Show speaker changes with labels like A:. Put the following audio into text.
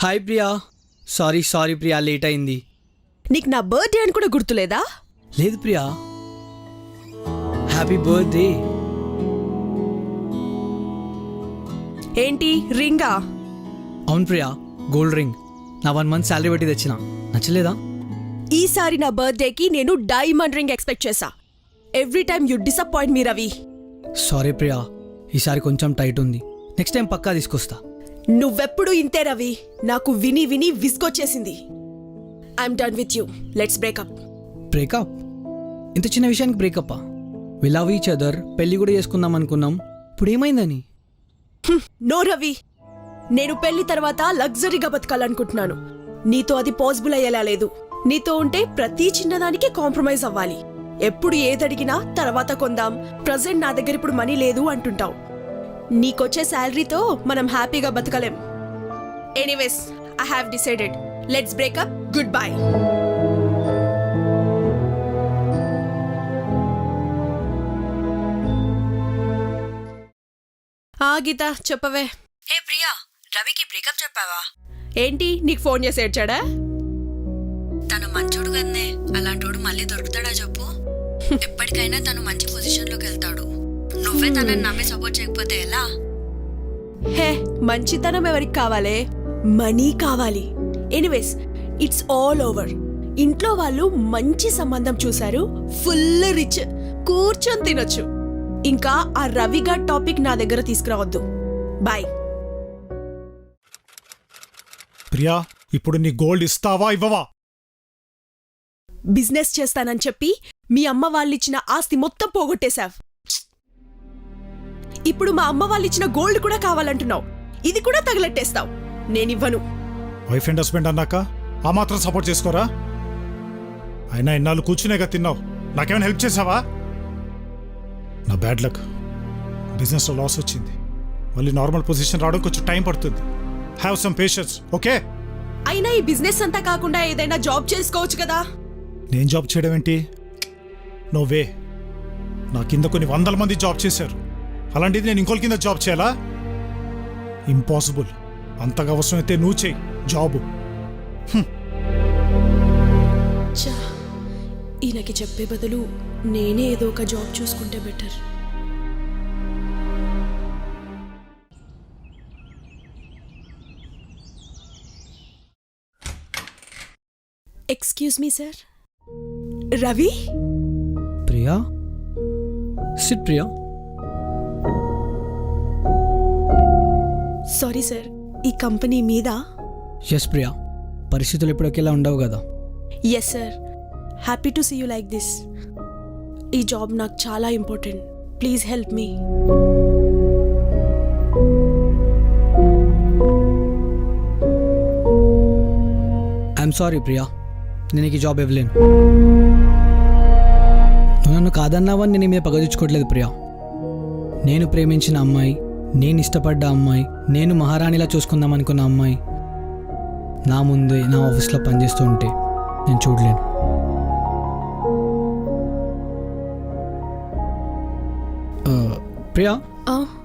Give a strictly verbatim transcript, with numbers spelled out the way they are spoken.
A: Hi Priya. Sorry sorry Priya, late అయింది.
B: నీకు నా బర్త్డే అని కూడా గుర్తులేదా?
A: లేదు ప్రియా. Happy birthday.
B: ఏంటి రింగా?
A: అవును ప్రియా, గోల్డ్ రింగ్. నా వన్ మంత్ శాలరీ పెట్టి తెచ్చిన. నచ్చలేదా?
B: ఈసారి నా బర్త్డేకి నేను డైమండ్ రింగ్ ఎక్స్పెక్ట్ చేశా. Every time you disappoint me Ravi.
A: Sorry Priya, ఈసారి కొంచెం టైట్ ఉంది. నెక్స్ట్ టైం పక్కా తీసుకొస్తా.
B: నువ్వెప్పుడు ఇంతే రవి. నాకు విని విని విసుగొచ్చేసింది. I'm done with you. Let's breakup.
A: Breakup? ఇంత చిన్న విషయానికి బ్రేకప్పా? We love each other. పెళ్లి కూడా చేసుకుందాం అనుకున్నాం. ఇప్పుడు ఏమైందని?
B: నో రవి, నేను పెళ్లి తర్వాత లగ్జరీగా బతకాలనుకుంటున్నాను. నీతో అది పాసిబుల్ అయ్యేలా లేదు. నీతో ఉంటే ప్రతి చిన్నదానికి కాంప్రమైజ్ అవ్వాలి. ఎప్పుడు ఏదడిగినా తర్వాత కొందాం, ప్రజెంట్ నా దగ్గర ఇప్పుడు మనీ లేదు అంటుంటావు. నీకొచ్చే శాలరీతో మనం హ్యాపీగా బతకలేం. Anyways, I have decided. Let's breakup. Goodbye. ఆ గీత చెప్పవే.
C: ఏ ప్రియా, రవికి బ్రేకప్ చెప్పావా?
B: ఏంటి నీకు ఫోన్ చేసి ఏడ్చాడా?
C: తను మంచోడు కదనే, అలాంటోడు మళ్ళీ దొరుకుతాడా చెప్పు? ఎప్పటికైనా తను మంచి పొజిషన్ లోకి వెళ్తాడు. నువ్వే తనని నమ్మి సపోర్ట్ చేయకపోతే ఎలా?
B: హే, మంచితనం ఎవరికి కావాలే? మనీ కావాలి. Anyways, it's all over. ఇంట్లో వాళ్ళు మంచి సంబంధం చూశారు. ఫుల్ రిచ్, కూర్చొని తినొచ్చు. ఇంకా ఆ రవిగా టాపిక్ నా దగ్గర తీసుకురావద్దు. బాయ్.
D: ప్రియా, ఇప్పుడు నీ గోల్డ్ ఇస్తావా ఇవ్వవా?
B: బిజినెస్ చేస్తానని చెప్పి మీ అమ్మ వాళ్ళిచ్చిన ఆస్తి మొత్తం పోగొట్టేశావ్. ఇప్పుడు మా అమ్మ వాళ్ళిచ్చిన గోల్డ్ కూడా కావాలంటున్నావు. ఇది కూడా తగలెట్టేస్తావు. నేనివ్వను.
D: వైఫ్ అండ్ హస్బెండ్ అన్నాక ఆ మాత్రం సపోర్ట్ చేసుకోరా? అయినా ఇన్నాళ్ళు కూర్చునేగా తిన్నావు. నాకేమైనా హెల్ప్ చేసావా? నా బ్యాడ్ లక్, బిజినెస్లో లాస్ వచ్చింది. మళ్ళీ నార్మల్ పొజిషన్ రావడం కొంచెం టైం పడుతుంది. Have some patience, okay?
B: అయినా ఈ బిజినెస్ అంతా కాకుండా ఏదైనా జాబ్ చేసుకోవచ్చు కదా.
D: నేను జాబ్ చేయడం ఏంటి? No way. నా కింద కొన్ని వందల మంది జాబ్ చేశారు. అలాంటిది నేను ఇంకోళ్ళ కింద జాబ్ చేయాలా? ఇంపాసిబుల్. అంతగా అవసరమైతే నువ్వు చేయి జాబు.
B: చా, ఈయనకి చెప్పే బదులు నేనే ఏదో ఒక జాబ్ చూసుకుంటే better. Excuse me sir. Ravi?
A: Priya, sit Priya.
B: Sorry sir, ఈ కంపెనీ మీద?
A: ఎస్ ప్రియా, పరిస్థితులు ఎప్పటికెలా ఉండవు కదా.
B: Yes sir, happy to see you like this. ఈ జాబ్ నాకు చాలా important. Please help me.
A: I'm sorry Priya, నేను ఈ జాబ్ ఇవ్వలేను. నువ్వు నన్ను కాదన్నావని నేను మీద పగదించుకోవట్లేదు ప్రియా. నేను ప్రేమించిన అమ్మాయి, నేను ఇష్టపడ్డ అమ్మాయి, నేను మహారాణిలా చూసుకుందాం అనుకున్న అమ్మాయి నా ముందే నా ఆఫీస్లో పనిచేస్తూ ఉంటే నేను చూడలేను. ప్రియా,